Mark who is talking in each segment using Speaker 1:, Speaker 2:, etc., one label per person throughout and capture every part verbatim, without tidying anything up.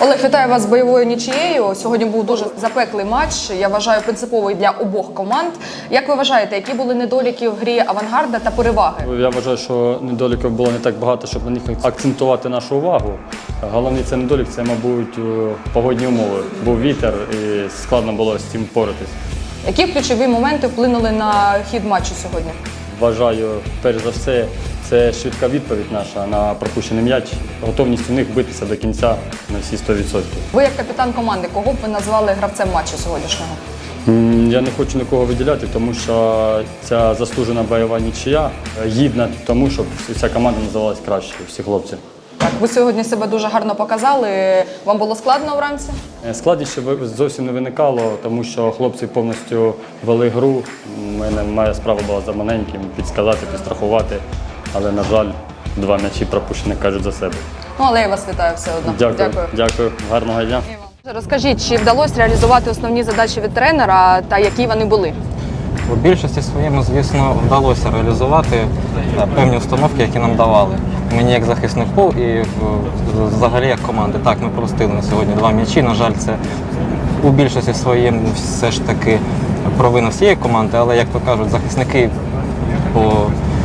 Speaker 1: Олег, вітаю вас з бойовою нічиєю. Сьогодні був дуже запеклий матч. Я вважаю, принциповий для обох команд. Як ви вважаєте, які були недоліки в грі «Авангарда» та переваги?
Speaker 2: Я вважаю, що недоліків було не так багато, щоб на них акцентувати нашу увагу. Головний це недолік, це, мабуть, погодні умови. Був вітер і складно було з цим впоратись.
Speaker 1: Які ключові моменти вплинули на хід матчу сьогодні?
Speaker 2: Вважаю, перш за все, це швидка відповідь наша на пропущений м'яч, готовність у них битися до кінця на всі сто відсотків.
Speaker 1: Ви як капітан команди, кого б ви назвали гравцем матчу сьогоднішнього?
Speaker 2: Я не хочу нікого виділяти, тому що ця заслужена бойова нічия гідна тому, щоб вся команда називалась краще, всі хлопці.
Speaker 1: Так, ви сьогодні себе дуже гарно показали. Вам було складно вранці?
Speaker 2: Складніше зовсім не виникало, тому що хлопці повністю вели гру. У мене моя справа була за маленьким, підсказати, підстрахувати. Але, на жаль, два м'ячі пропущені кажуть за себе.
Speaker 1: Ну, але я вас вітаю все одно.
Speaker 2: Дякую.
Speaker 1: Дякую.
Speaker 2: Дякую. Гарного дня.
Speaker 1: Розкажіть, чи вдалося реалізувати основні задачі від тренера та які вони були?
Speaker 3: У більшості своєму, звісно, вдалося реалізувати певні установки, які нам давали. Мені як захиснику і взагалі як команди. Так, ми пропустили на сьогодні два м'ячі. На жаль, це у більшості своєму все ж таки провина всієї команди, але, як то кажуть, захисники по,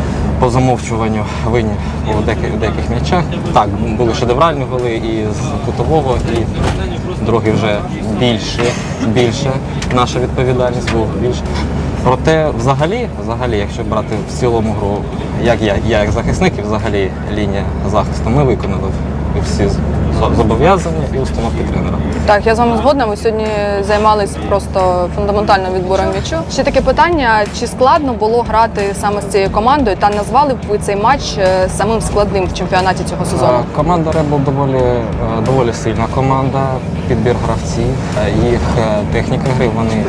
Speaker 3: по замовчуванню винні у деяких, деяких м'ячах. Так, були шедевральні голи і з кутового, і другий вже більше, більше наша відповідальність була більше. Проте, взагалі, взагалі, якщо брати в цілому гру, як я, я як захисник і взагалі лінія захисту, ми виконали всі зобов'язання і установки тренера.
Speaker 1: Так, я з вами згодна. Ви сьогодні займалися просто фундаментальним відбором м'ячу. Ще таке питання, чи складно було грати саме з цією командою та назвали б ви цей матч самим складним в чемпіонаті цього сезону?
Speaker 3: Команда «Ребел» доволі, доволі сильна команда, підбір гравців, їх техніка гри, вони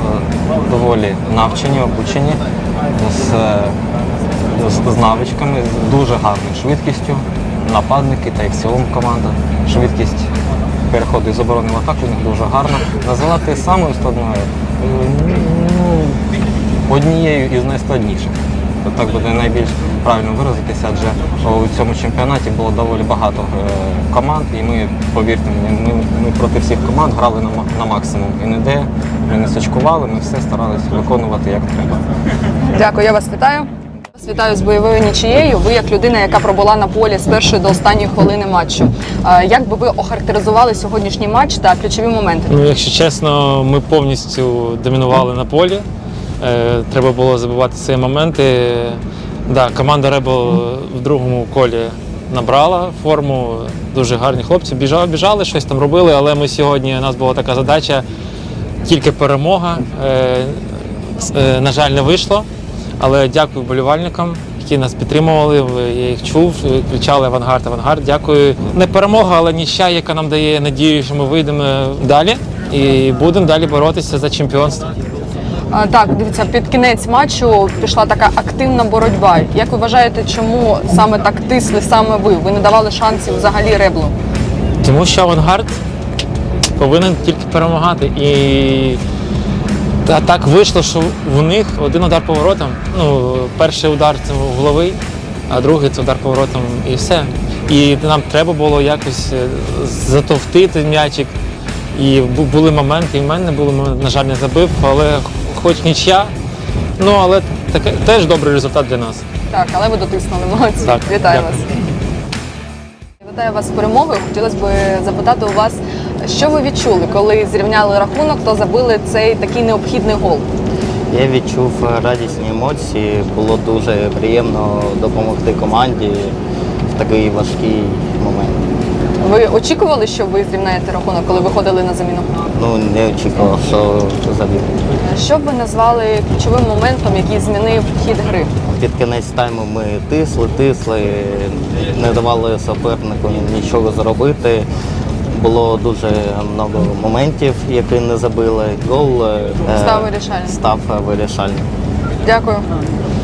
Speaker 3: доволі навчені, обучені, з, з, з навичками, з дуже гарною швидкістю. Нападники та і в цілому команда. Швидкість переходу із оборони в атаку у них дуже гарна. Називати самою складною ну, однією із найскладніших. Так буде найбільш правильно виразитися, адже у цьому чемпіонаті було доволі багато команд, і ми, повірте мені, ми, ми проти всіх команд грали на, на максимум. І ніде ми не сачкували, ми все старалися виконувати як треба.
Speaker 1: Дякую, я вас вітаю. Вітаю з бойовою нічиєю. Ви як людина, яка пробула на полі з першої до останньої хвилини матчу. Як би ви охарактеризували сьогоднішній матч та ключові моменти?
Speaker 4: Ну, якщо чесно, ми повністю домінували на полі. Треба було забивати ці моменти. Да, команда «Ребел» в другому колі набрала форму. Дуже гарні хлопці. Біжали, біжали, щось там робили, але ми сьогодні, у нас була така задача, тільки перемога. На жаль, не вийшло. Але дякую вболівальникам, які нас підтримували, я їх чув, кричали «Авангард, Авангард». Дякую. Не перемога, але нічия, яка нам дає надію, що ми вийдемо далі і будемо далі боротися за чемпіонство.
Speaker 1: А, так, дивіться, під кінець матчу пішла така активна боротьба. Як ви вважаєте, чому саме так тисли саме ви? Ви не давали шансів взагалі «Реблу»?
Speaker 4: Тому що «Авангард» повинен тільки перемагати. І Та так вийшло, що в них один удар поворотом. Ну, перший удар це головий, а другий це удар поворотом і все. І нам треба було якось затовтити м'ячик. І були моменти, і в мене було, на жаль, не забив, але хоч нічия. Ну, але таке теж добрий результат для нас.
Speaker 1: Так, але ви дотиснули, молодці.
Speaker 4: Так,
Speaker 1: вітаю
Speaker 4: дякую.
Speaker 1: вас. Вітаю вас з перемогою. Хотілося б запитати у вас, що ви відчули, коли зрівняли рахунок, то забили цей такий необхідний гол?
Speaker 5: Я відчув радісні емоції, було дуже приємно допомогти команді в такий важкий момент.
Speaker 1: Ви очікували, що ви зрівняєте рахунок, коли виходили на заміну?
Speaker 5: Ну, не очікував, що забив.
Speaker 1: Що б ви назвали ключовим моментом, який змінив хід гри?
Speaker 5: Під кінець тайму ми тисли, тисли, не давали супернику нічого зробити. Було дуже багато моментів, які не забили. Гол
Speaker 1: став вирішальним.
Speaker 5: Став вирішальним.
Speaker 1: Дякую.